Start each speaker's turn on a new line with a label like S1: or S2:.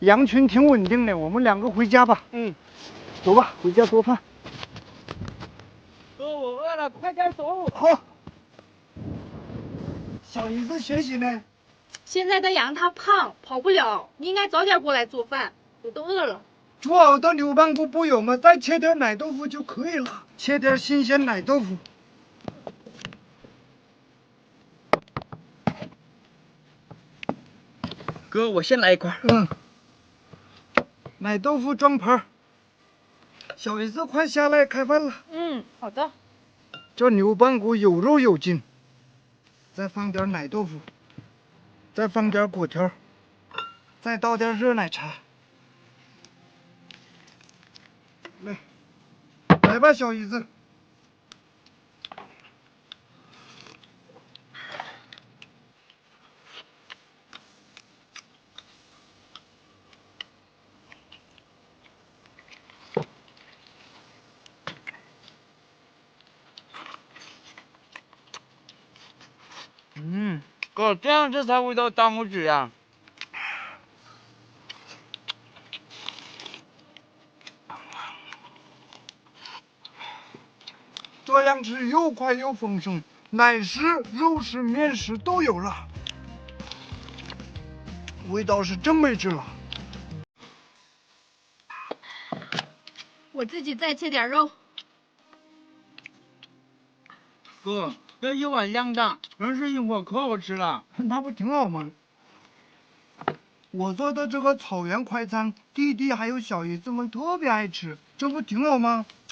S1: 羊群挺稳定的，我们两个回家吧。
S2: 嗯，
S1: 走吧，回家做饭。
S2: 哥，我饿了，快点走。
S1: 好。小姨子学习呢？
S3: 现在的羊它胖，跑不了，你应该早点过来做饭，我都饿了。
S1: 煮好的牛棒骨不有吗？再切点奶豆腐就可以了。切点新鲜奶豆腐。
S2: 哥，我先来一块。
S1: 嗯。奶豆腐装盘。小姨子，快下来开饭了。
S3: 嗯，好的。
S1: 这牛棒骨有肉有劲。再放点奶豆腐，再放点果条，再倒点热奶茶。来吧，小姨子。
S2: 哥，这样这才味道当不止呀。
S1: 这样吃又快又丰盛，奶食、肉食、面食都有了，味道是真没治了。
S3: 我自己再切点肉。
S2: 哥，这一碗量大，能吃一会儿，可好吃了。
S1: 那不挺好吗？我做的这个草原快餐，弟弟还有小姨子们特别爱吃，这不挺好吗？